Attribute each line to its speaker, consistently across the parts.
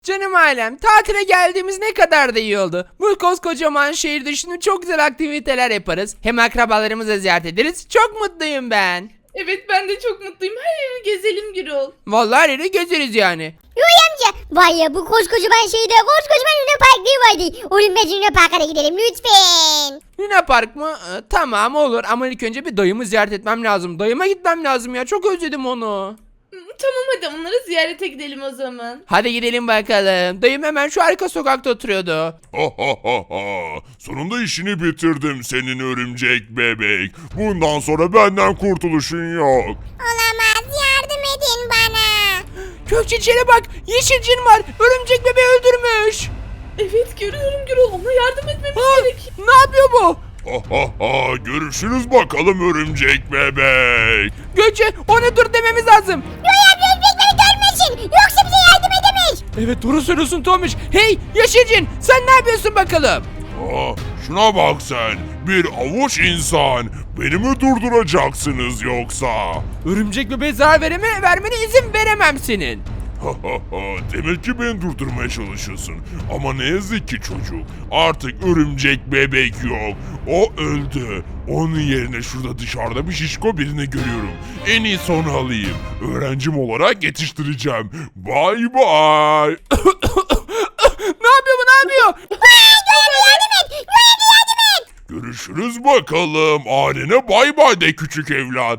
Speaker 1: Canım ailem, tatile geldiğimiz ne kadar da iyi oldu. Bu koskocaman şehirde şimdi çok güzel aktiviteler yaparız. Hem akrabalarımızı ziyaret ederiz. Çok mutluyum ben.
Speaker 2: Evet ben de çok mutluyum. Her yeri gezelim Gürol.
Speaker 1: Vallahi her yeri gezeriz yani.
Speaker 3: Yoy amca. Vay ya bu koskocaman şeyde koskocaman Luna Park değil vardı. Oğlum ben Luna Park'a da gidelim lütfen.
Speaker 1: Luna Park mı? Tamam olur ama ilk önce bir dayımı ziyaret etmem lazım. Dayıma gitmem lazım ya. Çok özledim onu.
Speaker 2: Tamam hadi onları ziyarete gidelim o zaman.
Speaker 1: Hadi gidelim bakalım. Dayım hemen şu arka sokakta oturuyordu.
Speaker 4: Ha ha ha ha. Sonunda işini bitirdim senin örümcek bebek. Bundan sonra benden kurtuluşun yok.
Speaker 3: Olamaz yardım edin bana.
Speaker 1: Gökçe içeri bak. Yeşil cin var. Örümcek bebeği öldürmüş.
Speaker 2: Evet görüyorum Gürol. Ona yardım etmemiz
Speaker 1: Ha,
Speaker 2: gerek.
Speaker 1: ne yapıyor bu?
Speaker 4: Ha ha ha. Görüşürüz bakalım örümcek bebek.
Speaker 1: Gökçe ona dur dememiz lazım.
Speaker 3: Yoy amca özbekleri görmesin. Yoksa bize yardım edemez.
Speaker 1: Evet doğru söylüyorsun Tomiş. Hey Yeşil cin sen ne yapıyorsun bakalım?
Speaker 4: Ha, şuna bak sen. Bir avuç insan. Beni mi durduracaksınız yoksa?
Speaker 1: Örümcek bebeğe zarar vermene izin veremem senin.
Speaker 4: Ha ha ha. Demek ki beni durdurmaya çalışıyorsun. Ama ne yazık ki çocuk. Artık örümcek bebek yok. O öldü. Onun yerine şurada dışarıda bir şişko birini görüyorum. En iyisi onu alayım. Öğrencim olarak yetiştireceğim. Bay bay.
Speaker 1: Ne yapıyor bu ne yapıyor?
Speaker 4: Görüşürüz bakalım. Ailene bay bay de küçük evlat.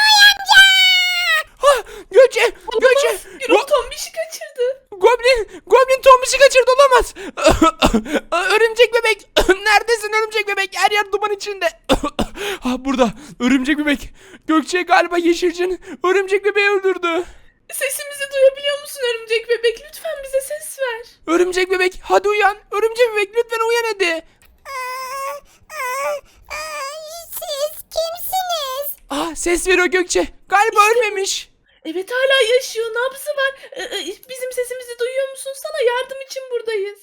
Speaker 1: Ha, Gökçe
Speaker 2: Gürol Tombiş'i kaçırdı.
Speaker 1: Goblin Tomiş'i kaçırdı olamaz. Örümcek bebek neredesin örümcek bebek her yer duman içinde. Ha burada örümcek bebek. Gökçe galiba Yeşilcin örümcek bebeği öldürdü.
Speaker 2: Sesimizi duyabiliyor musun örümcek bebek? Lütfen bize ses ver.
Speaker 1: Örümcek bebek hadi uyan. Örümcek bebek lütfen uyan hadi.
Speaker 3: Siz kimsiniz?
Speaker 1: Ses veriyor Gökçe. Galiba
Speaker 2: İşte bu.
Speaker 1: ölmemiş.
Speaker 2: Evet hala yaşıyor. Nabzı var. Bizim sesimizi duyuyor musun? Sana yardım için buradayız.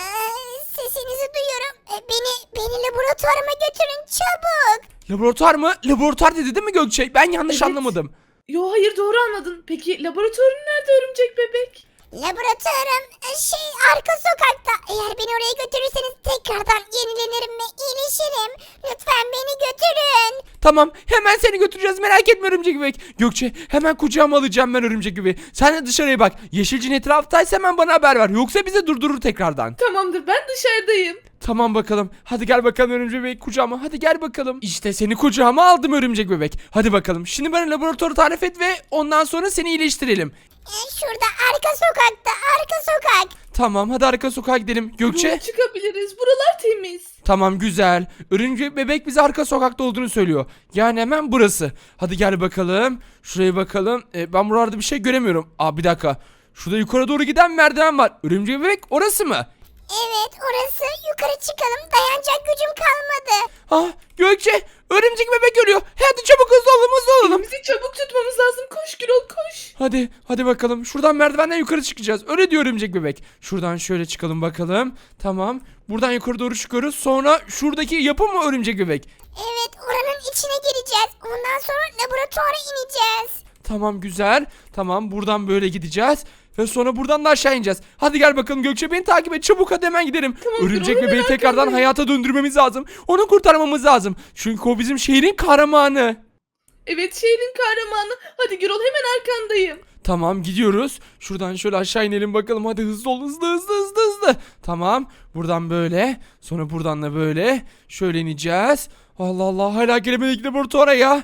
Speaker 3: Sesinizi duyuyorum. Beni laboratuvarıma götürün çabuk.
Speaker 1: Laboratuvar mı? Laboratuvar dedi değil mi Gökçe? Ben yanlış
Speaker 2: Evet.
Speaker 1: anlamadım.
Speaker 2: Yo hayır doğru anladın. Peki laboratuvarın nerede örümcek bebek?
Speaker 3: Laboratuvarım arka sokakta. Eğer beni oraya götürürseniz tekrardan yenilenirim ve iyileşirim. Lütfen beni götürün.
Speaker 1: Tamam hemen seni götüreceğiz merak etme örümcek bebek. Gökçe hemen kucağıma alacağım ben örümcek bebeği. Sen de dışarıya bak. Yeşilcin etraftaysa hemen bana haber ver. Yoksa bizi durdurur tekrardan.
Speaker 2: Tamamdır ben dışarıdayım.
Speaker 1: Tamam bakalım. Hadi gel bakalım örümcek bebek kucağıma. Hadi gel bakalım. İşte seni kucağıma aldım örümcek bebek. Hadi bakalım. Şimdi bana laboratuvarı tarif et ve ondan sonra seni iyileştirelim.
Speaker 3: Şurada arka sokakta arka sokak.
Speaker 1: Tamam hadi arka sokağa gidelim. Gökçe.
Speaker 2: Buraya çıkabiliriz. Buralar temiz.
Speaker 1: Tamam güzel. Örümcek bebek bize arka sokakta olduğunu söylüyor. Yani hemen burası. Hadi gel bakalım. Şuraya bakalım. Ben buralarda bir şey göremiyorum. Bir dakika. Şurada yukarı doğru giden merdiven var. Örümcek bebek orası mı?
Speaker 3: Evet orası yukarı çıkalım dayanacak gücüm kalmadı.
Speaker 1: Gökçe örümcek bebek ölüyor. Hadi çabuk hızlı olalım.
Speaker 2: Bizi çabuk tutmamız lazım. Koş Gürol koş.
Speaker 1: Hadi bakalım. Şuradan merdivenden yukarı çıkacağız. Öyle diyor örümcek bebek. Şuradan şöyle çıkalım bakalım. Tamam. Buradan yukarı doğru çıkıyoruz. Sonra şuradaki yapı mı örümcek bebek?
Speaker 3: Evet oranın içine gireceğiz. Ondan sonra laboratuvara ineceğiz.
Speaker 1: Tamam güzel. Tamam buradan böyle gideceğiz. Ve sonra buradan da aşağı ineceğiz. Hadi gel bakalım Gökçe beni takip et. Çabuk hadi hemen gidelim.
Speaker 2: Tamam,
Speaker 1: Örümcek
Speaker 2: hemen
Speaker 1: bebeği tekrardan
Speaker 2: arkandayım.
Speaker 1: hayata döndürmemiz lazım. Onu kurtarmamız lazım. Çünkü o bizim şehrin kahramanı.
Speaker 2: Evet şehrin kahramanı. Hadi Gürol hemen arkandayım.
Speaker 1: Tamam gidiyoruz. Şuradan şöyle aşağı inelim bakalım. Hadi hızlı ol hızlı. Tamam. Buradan böyle. Sonra buradan da böyle. Şöyle ineceğiz. Allah Allah hala gelemedik laboratuvara ya.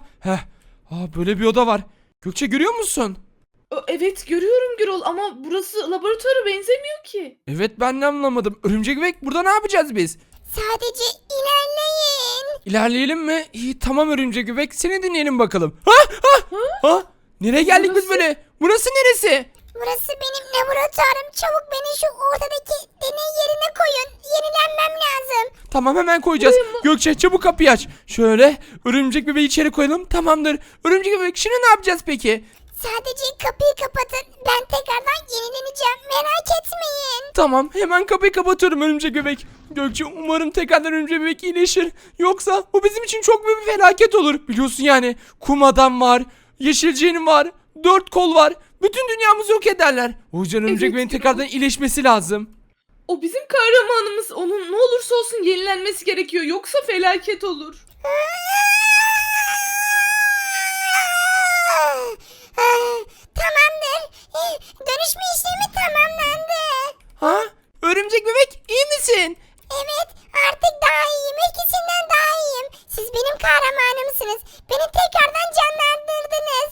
Speaker 1: Böyle bir oda var. Gökçe görüyor musun?
Speaker 2: Evet görüyorum Gürol ama burası laboratuvara benzemiyor ki.
Speaker 1: Evet ben de anlamadım. Örümcek bebek burada ne yapacağız biz?
Speaker 3: Sadece ilerleyin.
Speaker 1: İlerleyelim mi? İyi tamam örümcek bebek seni dinleyelim bakalım. Nereye geldik biz
Speaker 2: Burası?
Speaker 1: böyle? Burası neresi?
Speaker 3: Burası benim laboratuvarım. Çabuk beni şu ortadaki deney yerine koyun. Yenilenmem lazım.
Speaker 1: Tamam hemen koyacağız.
Speaker 2: Buraya mı?
Speaker 1: Gökçe çabuk kapıyı aç. Şöyle örümcek bebeği içeri koyalım. Tamamdır. Örümcek bebek şimdi ne yapacağız peki?
Speaker 3: Sadece kapıyı kapatın. Ben tekrardan yenileneceğim. Merak etmeyin.
Speaker 1: Tamam hemen kapıyı kapatıyorum örümcek bebek. Gökçe umarım tekrardan örümcek bebek iyileşir. Yoksa bu bizim için çok büyük bir felaket olur. Biliyorsun yani kum adam var. Yeşilciğin var. 4 kol var. Bütün dünyamızı yok ederler. O yüzden örümcek
Speaker 2: Evet,
Speaker 1: bebeğin
Speaker 2: Gürol.
Speaker 1: tekrardan iyileşmesi lazım.
Speaker 2: O bizim kahramanımız. Onun ne olursa olsun yenilenmesi gerekiyor. Yoksa felaket olur.
Speaker 3: Tamamdır. Dönüşme işlemi tamamlandı.
Speaker 1: Ha? Örümcek bebek iyi misin?
Speaker 3: Evet, artık daha iyiyim. Eskisinden daha iyiyim. Siz benim kahramanımsınız. Beni tekrardan canlandırdınız.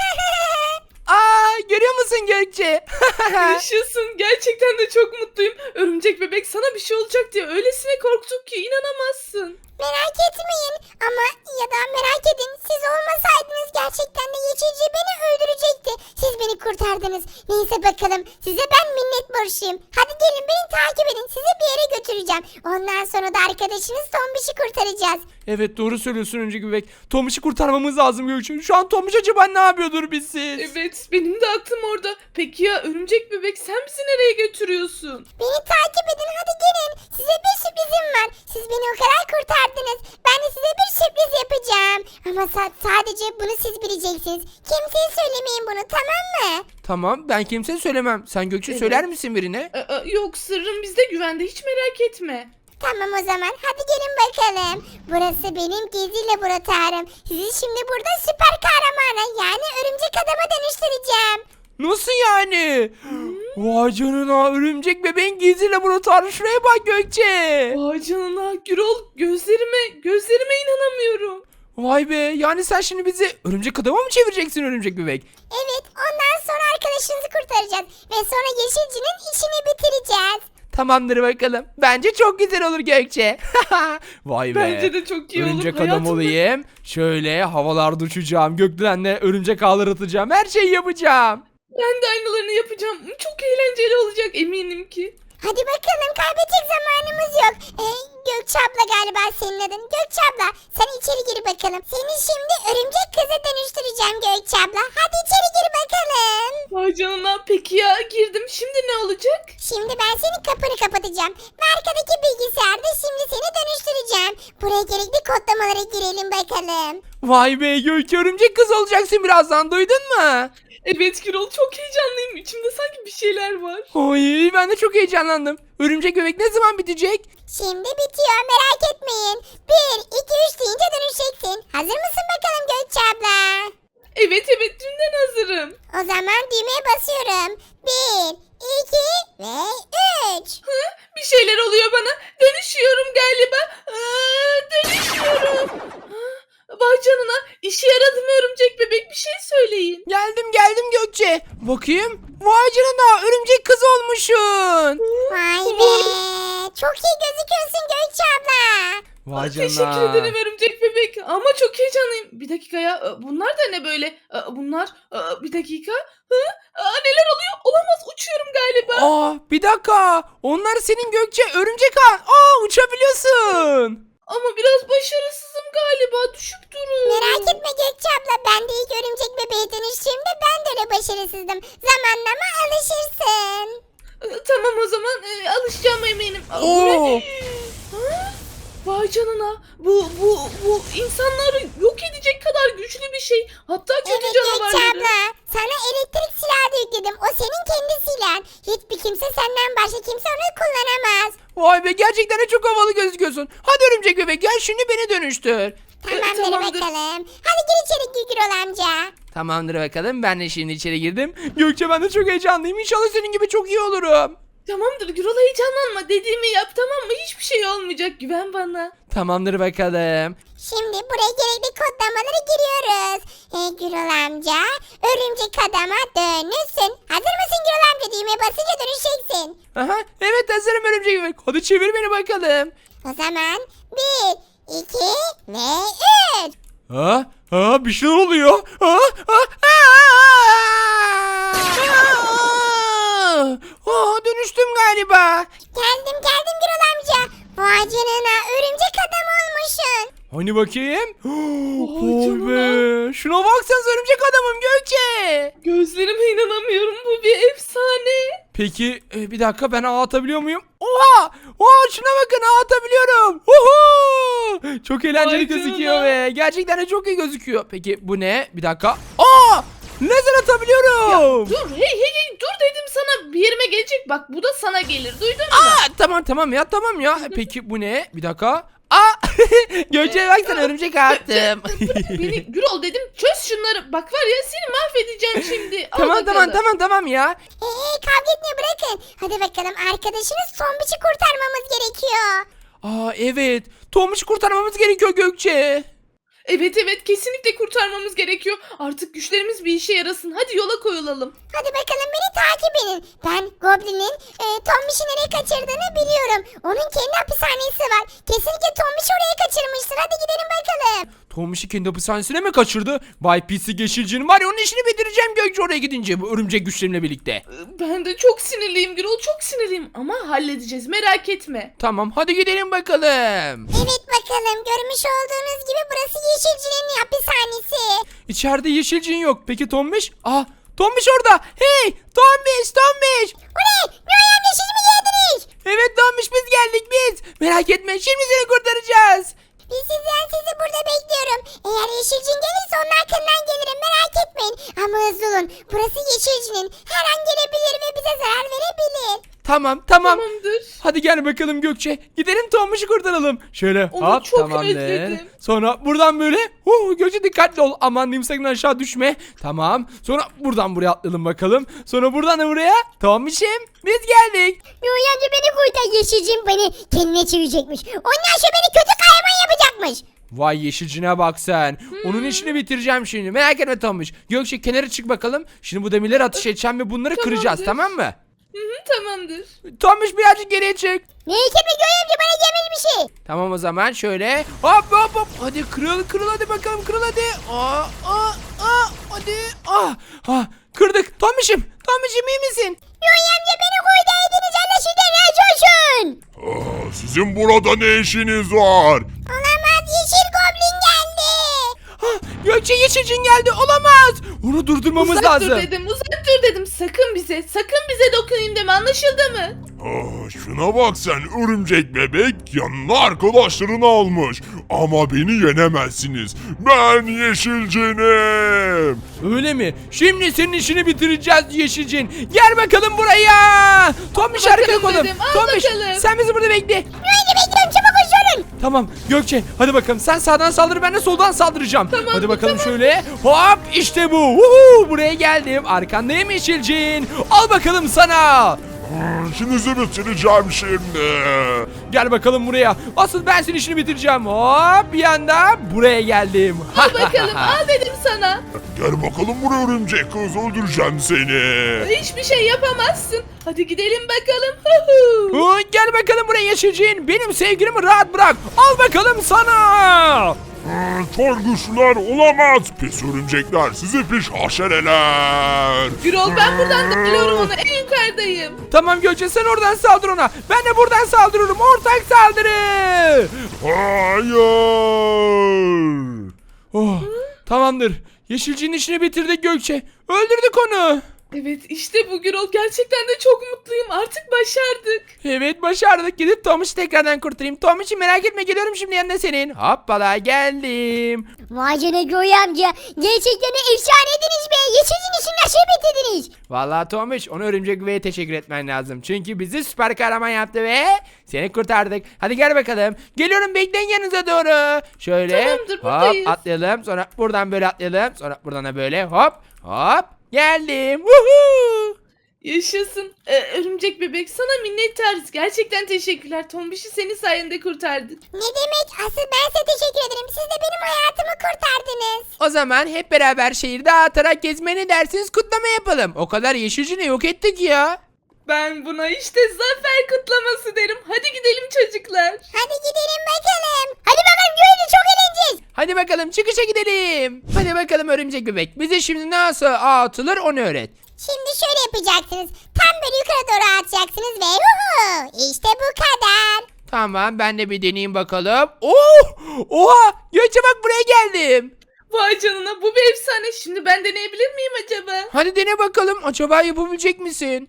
Speaker 1: Aa, görüyor musun Gökçe?
Speaker 2: Yaşasın. Gerçekten de çok mutluyum. Örümcek bebek sana bir şey olacak diye öylesine korktuk ki inanamazsın.
Speaker 3: Merak etmeyin ama ya da merak edin, siz olmasaydınız gerçekten de geçici beni öldürecekti. Siz beni kurtardınız. Neyse bakalım, size ben minnet borçluyum. Hadi gelin beni takip edin, sizi bir yere götüreceğim. Ondan sonra da arkadaşınız Tombiş'i kurtaracağız.
Speaker 1: Evet, doğru söylüyorsun örümcek bebek. Tomiş'i kurtarmamız lazım Gökçe. Şu an Tomiş acaba ne yapıyordur bizsiz?
Speaker 2: Evet, benim de aklım orada. Peki ya örümcek bebek, sen bizi nereye götürüyorsun?
Speaker 3: Beni takip edin, hadi gelin. Size bir sürprizim var. Siz beni o kadar kurtardınız. Ben de size bir sürpriz yapacağım. Ama sadece bunu siz bileceksiniz. Kimseye söylemeyin bunu, tamam mı?
Speaker 1: Tamam, ben kimseye söylemem. Sen Gökçe
Speaker 2: Evet.
Speaker 1: söyler misin birine?
Speaker 2: Yok, sırrım bizde güvende, hiç merak etme.
Speaker 3: Tamam o zaman, hadi gelin bakalım. Burası benim gizli laboratuvarım. Sizi şimdi burada süper kahramana, yani örümcek adama dönüştüreceğim.
Speaker 1: Nasıl yani? Vay canına, örümcek bebeğin gizli laboratuvarı, şuraya bak Gökçe.
Speaker 2: Vay canına Gürol, gözlerime inanamıyorum.
Speaker 1: Vay be, yani sen şimdi bizi örümcek adama mı çevireceksin örümcek bebek?
Speaker 3: Evet, ondan sonra arkadaşınızı kurtaracağız. Ve sonra Yeşilci'nin işini bitireceğiz.
Speaker 1: Tamamdır bakalım. Bence çok güzel olur Gökçe. Vay be.
Speaker 2: Bence de çok iyi olur.
Speaker 1: Örümcek adam
Speaker 2: Hayatımda-
Speaker 1: olayım. Şöyle havalarda uçacağım. Gökdelenle örümcek ağları atacağım. Her şeyi yapacağım.
Speaker 2: Ben de aynılarını yapacağım. Çok eğlenceli olacak eminim ki.
Speaker 3: Hadi bakalım, kaybedecek zamanımız yok. Gökçe abla galiba senin adın. Gökçe abla, sen içeri gir bakalım. Seni şimdi örümcek kıza dönüştüreceğim Gökçe abla. Hadi içeri gir bakalım.
Speaker 2: Vay canına, peki ya girdim, şimdi ne olacak?
Speaker 3: Şimdi ben senin kapını kapatacağım. Ve arkadaki bilgisayarda şimdi seni dönüştüreceğim. Buraya gerekli kodlamalara girelim bakalım.
Speaker 1: Vay be Gökçe, örümcek kız olacaksın birazdan, duydun mu?
Speaker 2: Evet Gürol, çok heyecanlıyım. İçimde sanki bir şeyler var.
Speaker 1: Ay, ben de çok heyecanlandım. Örümcek bebek ne zaman bitecek?
Speaker 3: Şimdi bitiyor, merak etmeyin. 1, 2, 3 deyince dönüşeceksin. Hazır mısın bakalım Gökçe abla?
Speaker 2: Evet, dünden hazırım.
Speaker 3: O zaman düğmeye basıyorum. 1, 2 ve 3.
Speaker 2: Bir şeyler oluyor bana. Dönüşüyorum galiba. Dönüşüyorum. Vay canına, işe yaradı mı örümcek bebek, bir şey söyleyin.
Speaker 1: Geldim Gökçe. Bakayım. Vay canına, örümcek kız olmuşsun.
Speaker 3: Vay be. Çok iyi gözüküyorsun Gökçe abla.
Speaker 1: Vay
Speaker 2: Teşekkür ederim örümcek bebek ama çok heyecanlıyım. Bir dakika ya, bunlar da ne böyle? Bunlar, bir dakika. Neler oluyor? Olamaz, uçuyorum galiba.
Speaker 1: Bir dakika. Onlar senin Gökçe, örümcek ağ. Uçabiliyorsun.
Speaker 2: Ama biraz başarısızım galiba, düşüp duruyorum.
Speaker 3: Merak etme Gökçe abla. Ben de ilk örümcek bebeğe dönüştüğümde ben de öyle başarısızdım. Zamanlama alışırsın.
Speaker 2: Tamam o zaman, alışacağım eminim. Bu
Speaker 1: Oo.
Speaker 2: ne? Ha? Vay canına, bu insanları yok edecek kadar güçlü bir şey. Hatta kötü
Speaker 3: Evet Gökçe
Speaker 2: canavarları.
Speaker 3: abla. Sana elektrik silahı da yükledim. O senin kendi silahın. Hiçbir kimse senden başka kimse onu kullanamaz.
Speaker 1: Vay be, gerçekten de çok havalı gözüküyorsun. Hadi örümcek bebek, gel şimdi beni dönüştür.
Speaker 3: Tamamdır,
Speaker 2: tamamdır.
Speaker 3: bakalım. Hadi gir içeri Gürol amca.
Speaker 1: Tamamdır bakalım, ben de şimdi içeri girdim. Gökçe, ben de çok heyecanlıyım. İnşallah senin gibi çok iyi olurum.
Speaker 2: Tamamdır Gürol, heyecanlanma, dediğimi yap, tamam mı? Hiçbir şey olmayacak, güven bana.
Speaker 1: Tamamdır bakalım.
Speaker 3: Şimdi buraya gerekli kodlamaları giriyoruz. Gürol amca, örümcek adama dönüşsün. Hazır mısın Gürol amca? Düğmeye basınca dönüşeceksin.
Speaker 1: Aha, evet hazırım örümcek bebek. Hadi çevir beni bakalım.
Speaker 3: O zaman 1, 2 ve 3.
Speaker 1: Bir şey oluyor. Dönüştüm galiba.
Speaker 3: Geldim Gürol amca. Vay canına, örümcek adam olmuşsun.
Speaker 1: Hani bakayım. Vay
Speaker 2: canına.
Speaker 1: be. Şuna baksanıza, örümcek adamım Gökçe.
Speaker 2: Gözlerime inanamıyorum, bu bir efsane.
Speaker 1: Peki bir dakika, ben ağ atabiliyor muyum? Oha! Şuna bakın, ağ atabiliyorum. Çok eğlenceli
Speaker 2: Vay
Speaker 1: gözüküyor
Speaker 2: canına.
Speaker 1: ve gerçekten de çok iyi gözüküyor. Peki bu ne? Bir dakika. lazer atabiliyorum.
Speaker 2: Dur hey dur dedim sana, bir yerime gelecek bak, bu da sana gelir, duydun mu?
Speaker 1: Tamam ya. Peki bu ne? Bir dakika. Gökçe bak sana örümcek attım.
Speaker 2: Beni Gürol dedim, çöz şunları, bak var ya seni mahvedeceğim şimdi. Al bakalım.
Speaker 1: tamam ya.
Speaker 3: Kavga etmeyi bırakın. Hadi bakalım, arkadaşınız Tombiş'i kurtarmamız gerekiyor.
Speaker 1: Evet. Tombiş'i kurtarmamız gerekiyor Gökçe.
Speaker 2: Evet kesinlikle kurtarmamız gerekiyor. Artık güçlerimiz bir işe yarasın. Hadi yola koyulalım.
Speaker 3: Hadi bakalım, beni takip edin. Ben Goblin'in Tombiş'i nereye kaçırdığını biliyorum. Onun kendi hapishanesi var. Kesinlikle Tombiş'i oraya kaçırmıştır. Hadi gidelim bakalım.
Speaker 1: Tombiş'i kendi hapishanesine mi kaçırdı? Bay Pislik Yeşilcin var ya, onun işini bitireceğim Gökçe oraya gidince, bu örümcek güçlerimle birlikte.
Speaker 2: Ben de çok sinirliyim Gürol, çok sinirliyim. Ama halledeceğiz, merak etme.
Speaker 1: Tamam, hadi gidelim bakalım.
Speaker 3: Evet bakalım, görmüş olduğunuz gibi burası Yeşilci'nin hapishanesi.
Speaker 1: İçeride Yeşilcin yok. Peki Tombiş? Tombiş orada. Hey Tombiş.
Speaker 3: O ne? Noy amca, siz mi geldiniz?
Speaker 1: Evet Tombiş, biz geldik biz. Merak etme, şimdi seni kurtaracağız.
Speaker 3: Sizi burada bekliyorum. Eğer Yeşilcin gelirse onun arkandan gelirim, merak etmeyin. Ama hızlı olun. Burası Yeşilcin'in. Her an gelebilir ve bize zarar verebilir.
Speaker 1: Tamam.
Speaker 2: Tamamdır.
Speaker 1: Hadi gel bakalım Gökçe. Gidelim Tombiş'i kurtaralım. Şöyle
Speaker 2: Onu çok
Speaker 1: tamamdır.
Speaker 2: özledim.
Speaker 1: Sonra buradan böyle. Gökçe dikkatli ol. Aman diyeyim, sakın aşağı düşme. Tamam. Sonra buradan buraya atlayalım bakalım. Sonra buradan da buraya. Tombiş'im, biz geldik.
Speaker 3: Noy amca, beni kurtar, Yeşilcin beni kendine çevirecekmiş. Ondan sonra beni kötü kahraman yapacakmış.
Speaker 1: Vay Yeşilcine bak sen. Onun işini bitireceğim şimdi. Merak etme Tombiş. Gökçe kenara çık bakalım. Şimdi bu demirleri ateş edeceğim ve bunları kıracağız, tamam mı?
Speaker 2: Tamamdır.
Speaker 1: Tombiş birazcık geriye çık.
Speaker 3: Neyi kırma Noy amca, bana gelmez bir şey.
Speaker 1: Tamam o zaman şöyle. Hop. Hadi kırıl hadi bakalım, kırıl hadi. Hadi. Kırdık. Tombiş'im iyi misin?
Speaker 3: Noy amca, beni kurtardınız, Allah sizden razı olsun.
Speaker 4: Sizin burada ne işiniz var?
Speaker 3: Olamaz, Yeşil Goblin geldi.
Speaker 1: Gökçe Yeşilcin geldi, olamaz. Onu durdurmamız
Speaker 2: Uzak
Speaker 1: lazım.
Speaker 2: dur dedim. Sakın bize dokunayım deme, anlaşıldı mı?
Speaker 4: Şuna bak sen, örümcek bebek yanına arkadaşlarını almış. Ama beni yenemezsiniz. Ben Yeşilcinim.
Speaker 1: Öyle mi? Şimdi senin işini bitireceğiz Yeşilcin. Gel bakalım buraya. Tombiş
Speaker 2: Al
Speaker 1: arkaya
Speaker 2: bakalım
Speaker 1: koyalım.
Speaker 2: dedim, al
Speaker 1: Tombiş
Speaker 2: bakalım.
Speaker 1: sen bizi burada bekle.
Speaker 3: Noy amca, bekliyorum, çabuk koşun.
Speaker 1: Tamam Gökçe, hadi bakalım, sen sağdan saldır, ben de soldan saldıracağım. Hadi bakalım şöyle. Hop, işte bu. Buraya geldim. Arkandayım Yeşilcin. Al bakalım sana.
Speaker 4: İşinizi bitireceğim şimdi.
Speaker 1: Gel bakalım buraya. Asıl ben senin işini bitireceğim. Hop, bir anda buraya geldim.
Speaker 2: Al bakalım, al dedim sana.
Speaker 4: Gel bakalım buraya örümcek kız, öldüreceğim seni.
Speaker 2: Hiçbir şey yapamazsın. Hadi gidelim bakalım.
Speaker 1: Gel bakalım buraya Yeşilcin. Benim sevgilimi rahat bırak. Al bakalım sana.
Speaker 4: Çok güçlüler, olamaz. Pis örümcekler, sizi pis haşereler.
Speaker 2: Gürol, ben buradan da biliyorum onu, en yukarıdayım.
Speaker 1: Tamam Gökçe, sen oradan saldır ona. Ben de buradan saldırıyorum. Ortak saldırı.
Speaker 4: Hayır.
Speaker 1: Tamamdır. Yeşilcinin işini bitirdik Gökçe. Öldürdük onu.
Speaker 2: Evet, işte bu Gürol, gerçekten de çok mutluyum, artık başardık.
Speaker 1: Evet, başardık. Gidip Tomiş'i tekrardan kurtarayım. Tomiş'i merak etme, geliyorum şimdi yanına senin. Hoppala, geldim.
Speaker 3: Vay canına Noy amca, gerçekten de efsaneydiniz be. Yeşilcin işini nasıl bitirdiniz?
Speaker 1: Vallahi Tomiş, ona örümcek beye teşekkür etmen lazım. Çünkü bizi süper kahraman yaptı ve seni kurtardık. Hadi gel bakalım. Geliyorum, bekleyin yanınıza doğru. Şöyle
Speaker 2: Tamamdır, buradayız.
Speaker 1: atlayalım. Sonra buradan böyle atlayalım. Sonra buradan da böyle hop. Geldim. Woohoo!
Speaker 2: Yaşasın. Örümcek bebek, sana minnettarız. Gerçekten teşekkürler. Tombiş'i senin sayende kurtardık.
Speaker 3: Ne demek? Asıl ben size teşekkür ederim. Siz de benim hayatımı kurtardınız.
Speaker 1: O zaman hep beraber şehirde dağıtarak gezme, ne dersiniz, kutlama yapalım. O kadar Yeşilcini yok ettik ya.
Speaker 2: Ben buna işte zafer kutlaması derim. Hadi gidelim çocuklar.
Speaker 3: Hadi gidelim bakalım. Hadi bakalım, görünce çok eğleneceğiz.
Speaker 1: Hadi bakalım çıkışa gidelim. Hadi bakalım örümcek bebek. Bize şimdi nasıl ağ atılır onu öğret.
Speaker 3: Şimdi şöyle yapacaksınız. Tam böyle yukarı doğru atacaksınız ve işte bu kadar.
Speaker 1: Tamam, ben de bir deneyeyim bakalım. Oha! Gökçe bak, buraya geldim.
Speaker 2: Vay canına, bu bir efsane. Şimdi ben deneyebilir miyim acaba?
Speaker 1: Hadi dene bakalım. Acaba yapabilecek misin?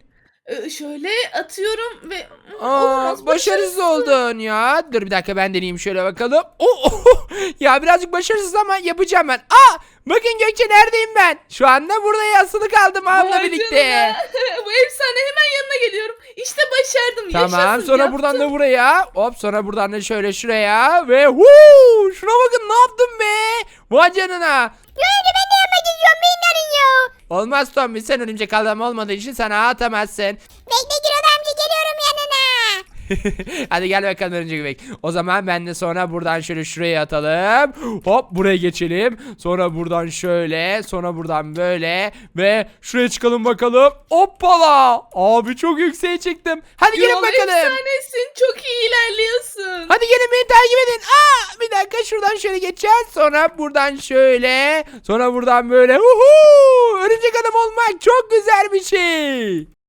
Speaker 2: Şöyle atıyorum ve
Speaker 1: Aa,
Speaker 2: olamaz,
Speaker 1: başarısız oldun ya. Dur bir dakika ben deneyeyim şöyle bakalım. Ya birazcık başarısız ama yapacağım ben. Bakın Gökçe neredeyim ben? Şu anda burada asılı kaldım abla
Speaker 2: Vay
Speaker 1: birlikte.
Speaker 2: canına. Bu efsane, hemen yanına geliyorum. İşte başardım.
Speaker 1: Tamam
Speaker 2: Yaşasın,
Speaker 1: sonra buradan
Speaker 2: yaptım.
Speaker 1: da buraya. Hop sonra buradan da şöyle şuraya. Ve huu, şuna bakın ne yaptım be. Vay canına.
Speaker 3: Göğe ben de yemek istiyorum. Beni arıyor.
Speaker 1: Olmaz Tommy sen örümcek adam olmadığı için sana atamazsın.
Speaker 3: Bekle Gürol amca, geliyorum yanına.
Speaker 1: Hadi gel bakalım örümcek bebek. O zaman ben de sonra buradan şöyle şuraya atalım. Hop buraya geçelim. Sonra buradan şöyle. Sonra buradan böyle. Ve şuraya çıkalım bakalım. Hoppala. Abi çok yükseğe çıktım. Hadi gelin
Speaker 2: Yol
Speaker 1: bakalım.
Speaker 2: efsanesin. Çok iyi ilerliyorsun.
Speaker 1: Hadi gelin beni takip edin. Bir dakika şuradan şöyle geçeceğiz. Sonra buradan şöyle. Sonra buradan böyle. Örümcek adam olmak çok güzel bir şey.